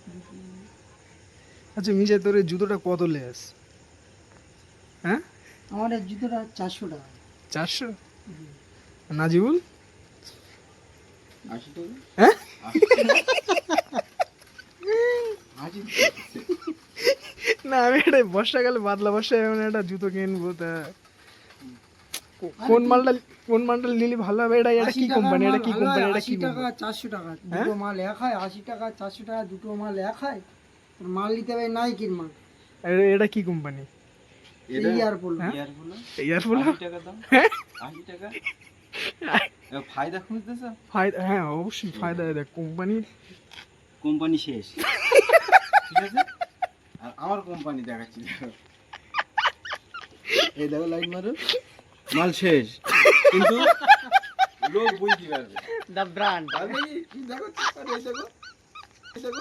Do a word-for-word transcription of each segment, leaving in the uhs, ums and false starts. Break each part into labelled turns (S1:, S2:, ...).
S1: আচ্ছা মিজা, তোর এই জুতোটা কত লেস? হ্যাঁ,
S2: আমার এই জুতোটা চারশো টাকা।
S1: চারশো? নাজিবুল
S3: আশি টাকা।
S1: হ্যাঁ,
S3: আশি
S1: না আমি এটা বর্ষাকালে বাদলা বর্ষায় এমন একটা জুতো কিনবো, তা কো- কোন মালটা কোন মালটা নিলে ভালো হবে? এটা এটা
S2: আশি
S1: কি
S2: টাকার
S1: কোম্পানি? এটা
S2: মাল
S1: কি
S2: ভালো
S1: কোম্পানি?
S2: হয়,
S1: এটা
S2: আশি
S1: কি
S2: টাকা
S1: কোম্পানি?
S2: চারশো টাকা
S1: হ্যাঁ?
S2: দুটো মাল এক হয়, আশি টাকা চারশো টাকা দুটো মাল এক হয়। আর মাল নিতে হবে নাইকির মাল,
S1: এটা- এটা কি কোম্পানি?
S3: এটা
S2: ইয়ারপোল।
S1: হ্যাঁ?
S3: Earphone
S1: earphone?
S3: আশি টাকা দাম। আশি টাকা। এ ফায়দা খুঁজতেছ?
S1: ফায়দা, হ্যাঁ অবশ্যই ফায়দা। দেখ কোম্পানির
S3: কোম্পানি শেষ, ঠিক আছে? আর আমার কোম্পানি দেখাচ্ছি, দেখো। এই দেখো, লাইট মারো, মাল শেষ, কিন্তু লোক বুঝতে পারবে।
S2: The brand.
S3: পারবে কি? কি দেখো, আরে এই দেখো, এই দেখো।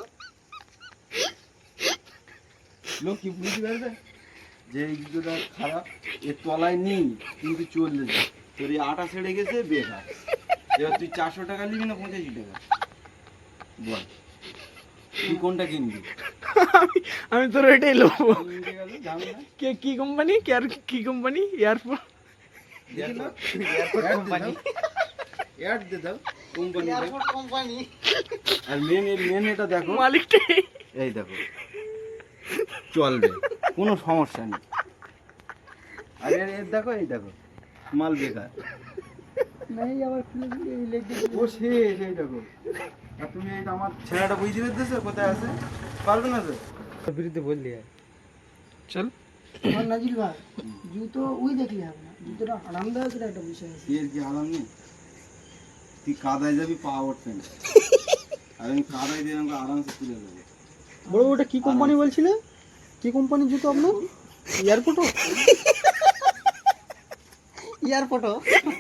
S3: লোক কি বুঝতে পারবে যে এই জুতোটা খারাপ, এর তলায় নেই কিন্তু চললে যায়, তোর এই আটা ছেড়ে গেছে, বেকার। এবার তুই চারশো টাকা নিবি না পঁচাশি টাকা? বল, তুই কোনটা কিনবি?
S1: আমি আমি তোর এটাই লোবো।
S3: আমি উঠে গেল, ঝামেলা।
S1: কে কি কোম্পানি? কে আর কি কোম্পানি? ইয়ারফোন?
S3: দেখি না? কোম্পানি অ্যাড দে দাও, কোম্পানি দাও।
S2: কোম্পানি।
S3: আর মেন এর মেন এটা দেখো,
S1: মালিকটাই।
S3: এই দেখো, চলবে, কোনো সমস্যা নেই। আর এর এর দেখো, এই দেখো, মাল বেকার,
S2: নাই আবার খুলে দিলে এই লেগ দিয়ে
S3: ও শেষ। এই দেখো, আর তুমি এই আমার ছেলেটা বুঝতে পেরেছো কোথায় আছে? পারবে না তো বিরুদ্ধে বললি।
S1: চল।
S2: আমার নাজিল ভাই জুতো ওই দেখলে হবে না, জুতোটা আরামদায়কের একটা বিষয় আছে।
S3: এর কি আরাম নেই? তুই কাদায় যাবি, পা উঠবে না, আর আমি কাদায় দিয়ে আমাকে আরামসে তুলে দেবো।
S2: বড় ওটা কি কোম্পানি বলছিলে? কি কোম্পানির জুতো আপনার? এয়ারপোর্টও? এয়ারপোর্টও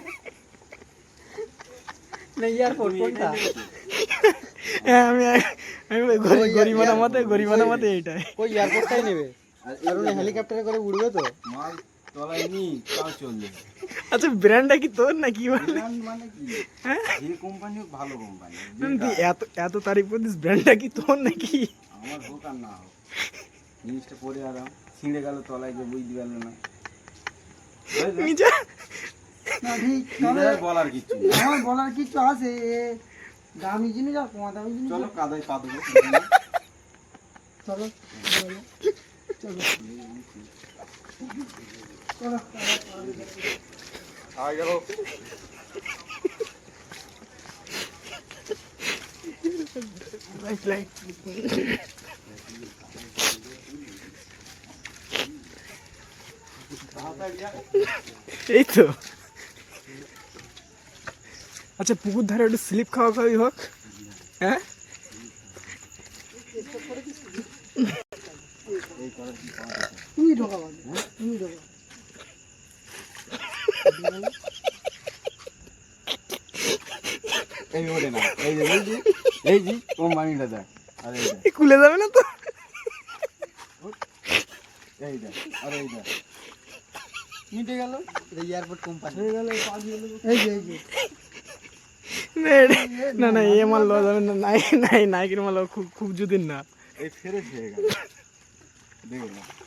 S2: না, এয়ারপোর্ট
S3: তুমি
S2: কোনটা?
S3: এটাই দেখেছো?
S1: হ্যাঁ, আমি আমি গরি- গরিমানা মতে গরিমানা মতে এইটাই।
S2: ওই এয়ারপোর্টটাই নেবে,
S3: আর এই
S2: কারণ
S3: দেখো,
S2: হেলিকপ্টারে করে উড়বে তো।
S3: মাল তলায় নি, তাও চলবে।
S1: আচ্ছা ব্র্যান্ডটা কি তোর না কি বল?
S3: ব্র্যান্ড মানে কি? যে কোম্পানি হোক, ভালো কোম্পানি।
S1: তুই এত এত তারিফ করছিস, ব্র্যান্ডটা কি তোর নাকি?
S3: আমার হোক আর না হোক, জিনিসটা পরে আরাম, ছিঁড়ে গেল তলায় গিয়ে বুঝতে পারলো না। বুঝলে?
S1: নিজা
S2: না ঠিক, তবে
S3: নিজের বলার কিছু নেই।
S2: আমার বলার কিছু আছে, এ দামি জিনিস আর কমা দামি জিনিস।
S3: চলো কাদায় পা দেবো।
S2: চলো চলো চলো।
S3: আর গেল।
S1: লাইট লাইট এই তো। আচ্ছা পুকুর ধারে একটু স্লিপ খাওয়া খাওয়াই হোক। হ্যাঁ,
S2: তুমি ঢোকা বাদ, তুমি ঢোকা।
S3: এই ওঠে না, এই যে এই যে এই যে কোম্পানিটা দেখ, আর এই দেখ,
S1: খুলে যাবে না তো?
S3: এই দেখ, আর এই দেখ, মিটে গেল।
S2: এয়ারপোর্ট কোম্পানি
S3: হয়ে গেল, পা দিয়ে গেল।
S2: এই যে এই যে
S1: না, এটা- না না এ মাল লওয়া যাবে না। নাই নাই নাইকের মাল খুব খুব যদিন না।
S3: এই ফেরে হয়ে গেল, দেখো না।